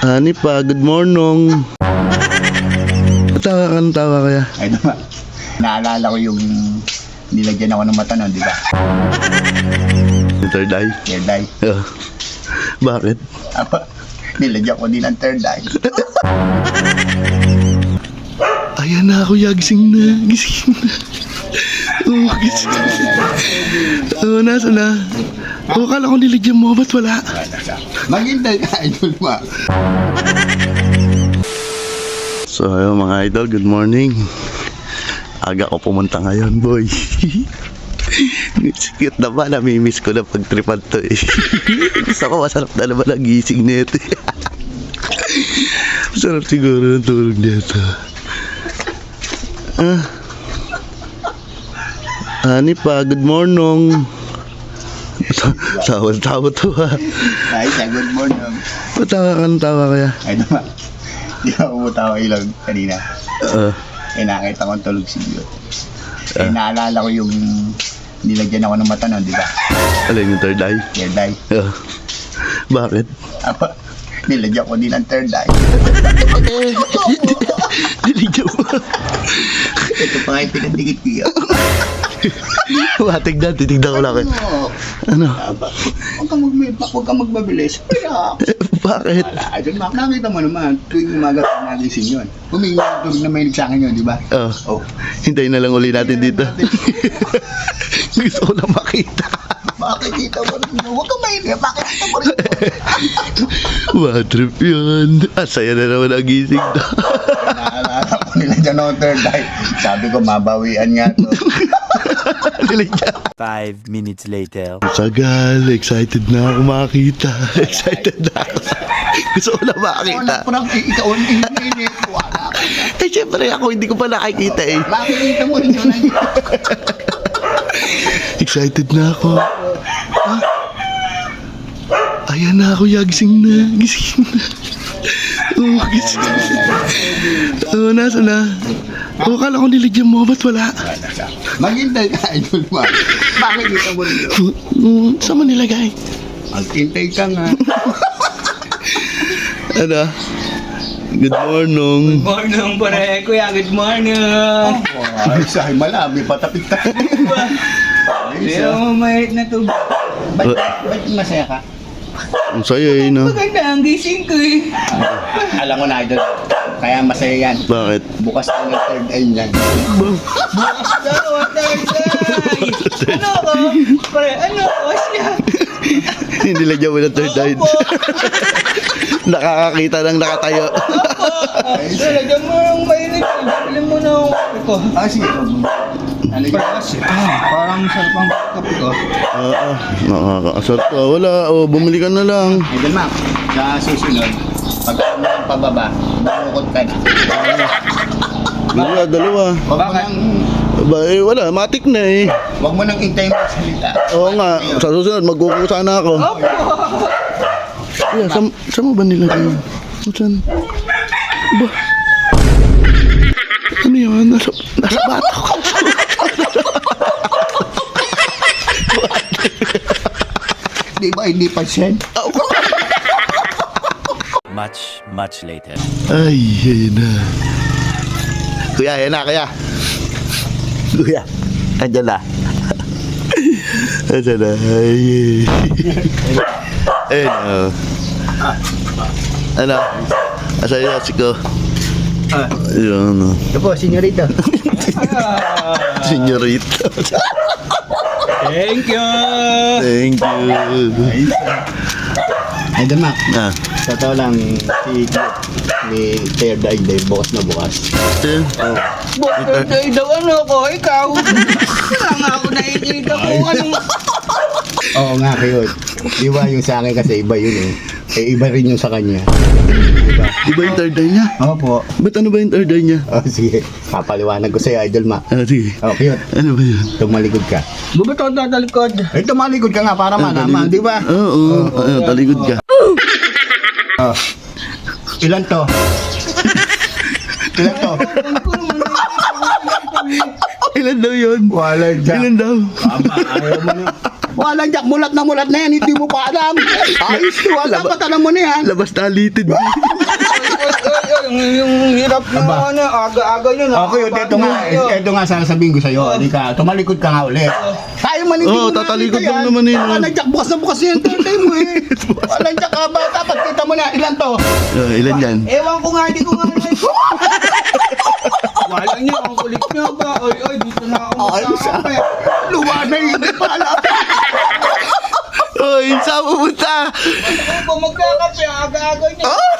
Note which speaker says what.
Speaker 1: Hani pa, good morning. Tawa ka ng tawa kaya?
Speaker 2: Ay naman, naalala ko yung nilagyan ako ng mata nun, di ba?
Speaker 1: Yung third eye?
Speaker 2: Third eye.
Speaker 1: Oh. Bakit?
Speaker 2: Apa, nilagyan ko din ang third eye.
Speaker 1: Ayan na ako, gising na. Gising na. Oh, gising na. Oh, nasa na? Oh, akala ko nilagyan mo, ba't wala?
Speaker 2: Maghintay ka, idol ma.
Speaker 1: So, ayun mga idol, good morning. Aga ko pumunta ngayon, boy. Sikit na ba, namimiss ko na pag-tripan to eh. Gusto ko masarap na naman ang gising nito. Masarap siguro ng tulog nito. Hani pa, good morning. Tawa-tawa to ha.
Speaker 2: Ay, siya, good morning.
Speaker 1: Tawa ka ng tawa kaya?
Speaker 2: Ay naman, di ako umutawa ilog kanina. Eh, nakita ko ang tulog si Diyo. Eh, naalala ko yung nilagyan ako ng mata nun, di ba?
Speaker 1: Alin yung third eye?
Speaker 2: Third eye.
Speaker 1: Bakit?
Speaker 2: Apa, nilagyan ko din ang third eye.
Speaker 1: Nilagyan mo.
Speaker 2: Ito pa kayo pinagdikit ko yun.
Speaker 1: Matignan, titignan ko lang eh. Ano?
Speaker 2: Huwag kang magbabilis.
Speaker 1: Bakit?
Speaker 2: Wala, idol ma. Nakita mo naman, tuwing umaga ka nagising yun. Humingi yung tulog na mahilig sa akin yun, di ba? Oh.
Speaker 1: Hintayin na lang uli natin dito. Gusto ko na makita.
Speaker 2: Makikita mo rin yun. Huwag kang mahilig. Makikita mo rin yun.
Speaker 1: Bad trip yun. Asaya na naman ang gising na.
Speaker 2: Naalala ko nila dyan ng third eye. Sabi ko, mabawian nga to.
Speaker 1: Nilagyan.
Speaker 3: 5 minutes later.
Speaker 1: Sagal, excited na ako makita. Excited na ako. Gusto ko na makita.
Speaker 2: Parang ikaw ang init. Wala ka na.
Speaker 1: Eh, syempre ako, hindi ko pa nakikita eh.
Speaker 2: Makikita mo rin yun.
Speaker 1: Excited na ako. Ayan na ako, gising na. Gising na. Oh, gising na. Oh, nasa na? Oh, akala ko nilagyan mo, ba't wala?
Speaker 2: Maghintay ka, idol ma. Makikita mo rin yun.
Speaker 1: Saan mo nilagay?
Speaker 2: Maghintay ka nga.
Speaker 1: Ano? Good morning.
Speaker 4: Morning pare, kuya, good morning.
Speaker 2: Ay, sahay malami, patapit-tapit.
Speaker 4: Pero mamahit na to.
Speaker 2: Ba't masaya ka?
Speaker 1: Ang saya eh, no?
Speaker 4: Maganda ang gising ko eh.
Speaker 2: Alam mo na, idol. Kaya masaya yan.
Speaker 1: Bakit?
Speaker 2: Bukas na ng third eye niyan.
Speaker 4: Dalawa tayo Ano ko? Pare, ano ko siya?
Speaker 1: Hindi lagyan mo ng third eye. Nakakakita ng nakatayo.
Speaker 4: Lagyan mo yung mainit. Bilhin mo na ako.
Speaker 2: Sige.
Speaker 4: Parang sarap ang kape ko.
Speaker 1: Nakakasarap ka. Wala, bumili ka na lang.
Speaker 2: Idol ma, sa susunod, pag ano ang pababa, bumukod ka na.
Speaker 1: Dalawa.
Speaker 2: Huwag mo nang,
Speaker 1: Wala, matik na eh.
Speaker 2: huwag mo nang intay mo salita.
Speaker 1: Oo nga, sa susunod, magkukusa na ako. Yeah, saan mo ba nilagay yun? Saan? Ba? Ano yun? Nasa bato ko.
Speaker 2: Di ba hindi pa siya?
Speaker 3: Much later.
Speaker 1: Ay, ayun na. Kuya, ayun na, kuya. Kuya, andyan na. Andyan na. Ay. Ayun na. Ano? Asa yung yasi ko? Ayun.
Speaker 2: Ito po, senyorita.
Speaker 1: Senyorita.
Speaker 4: Thank you.
Speaker 1: Thank you.
Speaker 2: Idol ma,
Speaker 1: Ah.
Speaker 2: sa tao lang, si ni third eye day, bukas na bukas.
Speaker 4: Birthday daw ano ko, ikaw. Wala nga ako nakikita kung anong...
Speaker 2: Oo nga kayo. Di ba yung sa akin kasi iba yun eh. Eh iba rin yung sa kanya.
Speaker 1: Di ba yung third eye niya?
Speaker 2: Opo.
Speaker 1: Ba't ano ba yung third eye niya?
Speaker 2: Oh, sige, papaliwanag ko sa'yo, idol ma.
Speaker 1: Sige.
Speaker 2: Oh, cute.
Speaker 1: Ano ba yun?
Speaker 2: Tumalikod ka.
Speaker 4: Bubato na talikod.
Speaker 2: Eh, tumalikod ka nga para malaman, di ba?
Speaker 1: Oo, talikod ka.
Speaker 2: Oh. Ilan to? Ilan to?
Speaker 1: Ilan daw yun?
Speaker 2: Walang jack.
Speaker 1: Ilan daw?
Speaker 2: Ayaw mo na. Walang jack, mulat na yan, hindi mo pa alam. Ayos, wala
Speaker 1: Laba-
Speaker 2: pa tanong mo na yan.
Speaker 1: Labas na alitid.
Speaker 4: Yung hirap na
Speaker 2: Aba.
Speaker 4: ano, aga-aga nyo na.
Speaker 2: Okay, ito nga sasabihin ko sa'yo. Halika, tumalikod ka nga ulit. Tayo manitin
Speaker 1: Oo, tatalikod lang naman yun.
Speaker 2: Nandiyak, bukas na bukas yung tentay mo eh. Nandiyak ka ba? Dapat kita mo na. Ilan to?
Speaker 1: Ilan yan?
Speaker 4: Ewan ko nga, di ko nga wala niya, ang kulit niya ba? Oy, dito na ako magkakape.
Speaker 2: Luwa na yun. Hindi pa alam.
Speaker 1: Oy, saan pupunta?
Speaker 4: Ano ba magkakape? Aga-aga niya.